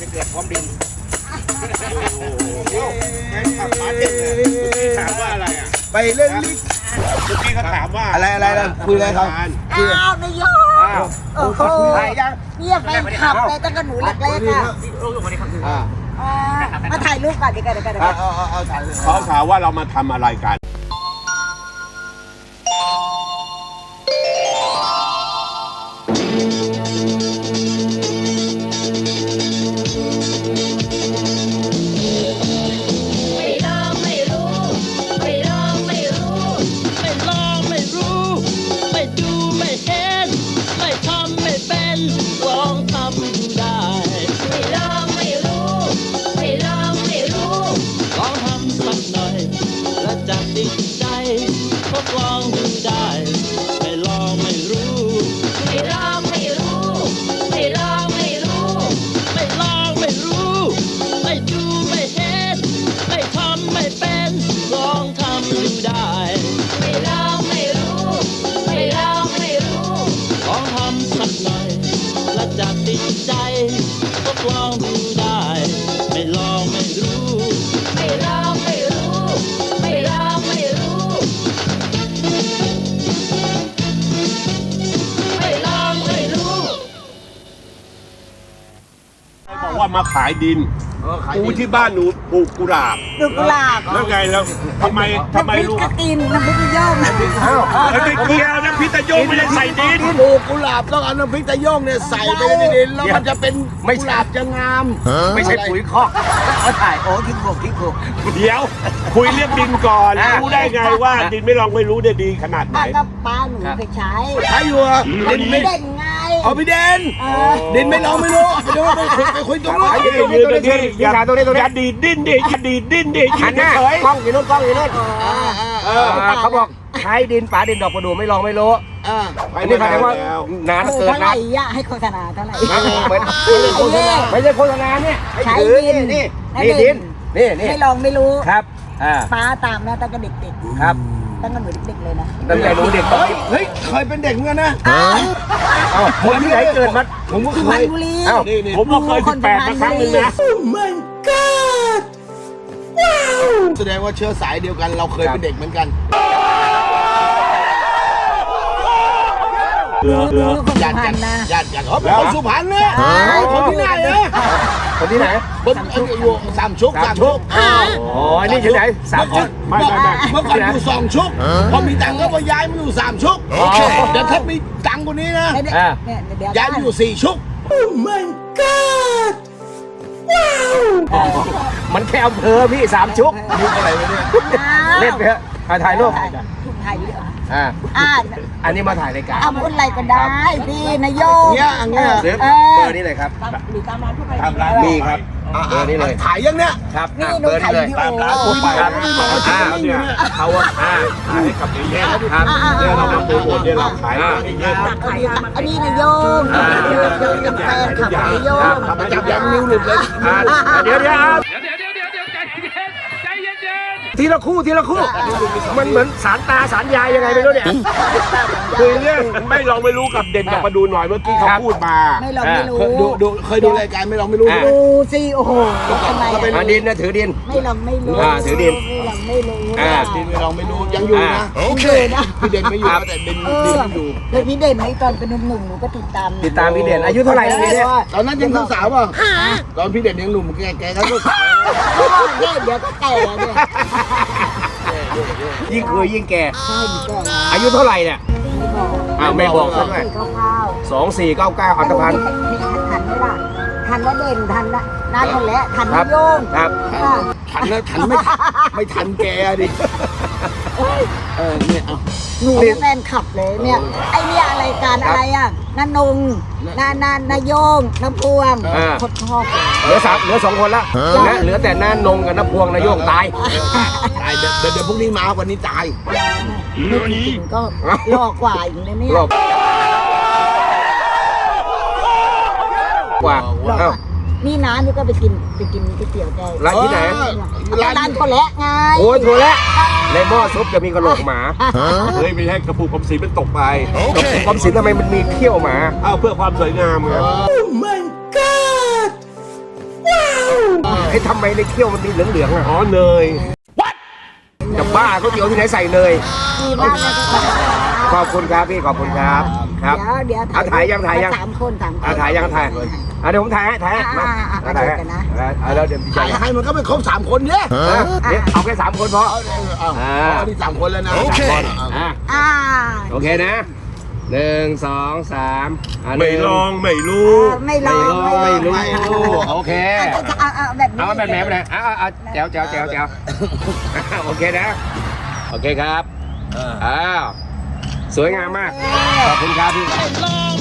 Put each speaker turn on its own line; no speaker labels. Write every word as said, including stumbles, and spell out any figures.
เดือดพร้อมดินแฟนขับมาเด็กเลยถามว่าอะไรอ่ะไปเรื่องลิเมื่อกี้เขาถามว่าอะไรอะไรนะคุยอะไรครับ
อ้าวนายกโอ้โหเนี่ยแฟนขับเลยตั้งแต่หนูเล็กๆอ่ะมาถ่ายรูปก่อนดีกันดีกันดีกัน
เขาถามว่าเรามาทำอะไรกันว่ามาขายดินกูที่บ้านหนูปลูกกุหลาบ
ปลูกกุหลาบ
แล้วไงแล้วทำไมทำไมลูก
กินน้ำพริกตะโยง
แล้วไม่เกี่ยวน้ำพริกตะโยงไม่ได้ใส่ดิน
ปลูกกุหลาบต้องเอาน้ำพริกตะโยงเนี่ยใส่ไปในดินแล้วมันจะเป็นกุหลาบจะงาม
ไม่ใช่ปุ๋ยคอก
เขาถ่ายโอ้ทิ้งโขกทิ้งโขก
เดี๋ยวคุยเรื่องดินก่อนรู้ได้ไงว่าดินไม่ลองไม่รู้ได้ดีขนาดไหน
ก็ป้าหนูเคยใช้
ใช้อยู่
ดินไม่ได้ไง
เอาพี่เด่นดินไม่ลองไม่รู้ไปดูไปคุยไปคุยตรงนู้น
ยืนตรงนี้อย่าตรงนี้ตรงนี้อย่าดีดดิ้นดิอย่าดีดดิ้นดิ
หันหน้ากล้องอยู่นู้นกล้องอยู่นู้นเขาบอกใช้ดินป๋าดินดอกประดู่ไม่ลองไม่รู้อันนี้แสดงว่านานเกินนะ
ให้โฆษณาเท่าไหร่
เหมือนไม่ใช่โฆษณาเนี่ย
ใช้ดิน
นี่นี่ดินนี่นี่
ไม่ลองไม่รู้
ครับ
ป้าตามนะตั้งแต่เด็ก
ๆครับ
ตั้งแต่หนูเด็กๆเลยนะ
ตั้งแต่หนูเด็ก
เฮ้ยเคยเป็นเด็กเหมือนกันนะ
คนที่ไหนเกิดมา
ผมก็เคย
ผมก็เคยสิบแปดมาครั้งนึงนะ
มันก็ว้าวแสดงว่าเชื้อสายเดียวกันเราเคยเป็นเด็กเหมือนกัน
เรือเรือญาติ
กันนะญาติกันอ๋อเป็นคนสุพรรณเนี่ยคนที่ไหนเนี่ย
คนที่ไหน
คนอยู่สามชุกสามชุก
อ๋อนี่ที่ไหนสามชุก
ไม่ไม่ไม่เมื่อก่อนอยู่สองชุกพอมีตังค์ก็มาย้ายมาอยู่สามชุกเดี๋ยวถ้ามีตังค์กว่านี้นะย้ายมาอยู่สี่ชุกโอ้ my god
ว้าวมันแค่อำเภอพี่สามชุก
ชุกอะไรวะเนี่ย
เล่นไปเถอะถ่ายรูป
ถ่ายวิดีโอ
อ่าอันนี้มาถ่ายรายการ
เอาพูดอะไรก็ได้พี่นายโยง
เนี่ยอันเนี้ย
เบอร์นี้เลยครับ
หรือตามร้านทั่วไป
ตามร้านมีครับเบอร์นี้เลย
ถ่ายยังเนี้ย
ครับเบอร์นี้เลย
ตามร้านทั่วไปครับอ่าเนี่ยเขาว่าอ่าขายให้กับเอเย่นครับเดี๋ยวเรามาโปรโมทเดี๋ยวเราขายเอเย่น
อันนี้นายโยงเป็นแฟนขับนายโยง
จับยังนิ้วหลุดเลย
เดี๋ยวเดี๋ยวทีละคู่ทีละคู่มันเหมือนสารตาสารยายยังไงไม่รู้เนี่ย
คือเรื่องไม่ลองไม่รู้กับเด่นกับมาดูหน่อยเมื่อกี้เขาพูดมา
ไม่ลองไม่รู้
ดูดูเคยดูรายการไม่ลองไม่รู้
ดูสิโอ้โหทำไม
อ่ะดินนะถือดิน
ไม่ลองไม่รู้
อ่าถือดิน
ไม่ลองไม่รู้
อ่าดินไม่ลองไม่รู้ยังอยู่นะ
โอเคนะ
พี่เด่นไม่อยู่แต่ดินดินอยู่
เลยพี่เด่นในตอนเป็นหนุ่มหนูก็ติดตาม
ติดตามพี่เด่นอายุเท่าไหร่เนี่ย
ตอนนั้นยังสาวป่ะตอนพี่เด่นยังหนุ่มแก่แก่ก็สาว
เดี๋ยวก็แก่เนี่ย
ยิ่งเคยยิ่งแก่อายุเท่าไหร่เนี่ยอ้าวไม่บอกซะด้วยสองสี่เก้าเก้าอัตภัณฑ์
ทันไหมล่ะทันแล้วเด่นทันละน่าทันแล้วทันโยง
ครับ
ทันแล้วทันไม่ไม่ทันแกดิเออเนี่ยเอา
หนูแฟนขับเลยเนี่ยไอเนี่ยอะไรการอะไรอ่ะนันนงนานานาโยงน้ำพวงคนชอบ
เหลือสามเหลือสองคนละนะเหลือแต่นานงกับน้ำพวงนาโยงตาย
ตายเดี๋ยวเดี๋ยวพรุ่งนี้มาวันนี้ตาย
ไม่จริงก็รอกว่าอยู่เลยเนี่ย
กว่า
นี่น้านี่ก็ไปกินไปกินก๋วยเตี๋ยวแก
ร้านที่ไหน
ร้านโถแระไง
โอ้ยโถแระในหม้อซุปจะมีกระโหลกหมา
เฮ้ยไม่ใช่กระปุกกรมศิลป์มันตกไป
กระปุกกรมศิลป์ทำไมมันมีเขี้ยวหมา
อ้าวเพื่อความสวยงามไง
โอ้ my god
ไอ้ทำไมในเคี่ยวมันมีเหลืองๆอ่ะ
อ๋อเนย
จะบ้าก๋วยเตี๋ยวที่ไหนใส่เนย
ดีมากเลย
ขอบคุณครับพี่ขอบคุณครับครับ
เดี๋ยวเดี๋ยว
เอาถ่ายยังถ่ายยัง
สามคนสามคน
อ่ะถ่ายยังถ่ายอ่ะเดี๋ยวผมถ่ายให้ถ่ายให้มา
อ่าอ่าอ่า
ถ่ายให้
เดี๋ยวกันนะ
อ่ะแล้วเดี๋ยวพี่
ถ่าย
ชาย
ให้มันก็ไม่ครบสามคนเนี่ย
เออเดี๋ยวเอาแค่สามคนพอ
เอาเอาเอาเอานี่สามคนแล้วนะ
โอเคอ่ะ
อ่า
โอเคนะหนึ่งสองสามอ่ะห
ไม่
นึ่
ลองไม่
เอ
รู้
อไม่ล
ไม่
อง
รู้ไม่รู้โอเค
เอาเอาเอาแบบนี้
เอาแบบไหนแบบไหนเอาเอาเอาแจ๋วแจ๋วแจ๋วแจ๋วโอเคนะโอเคครับอ้าวสวยงามมากขอบคุณครับพี่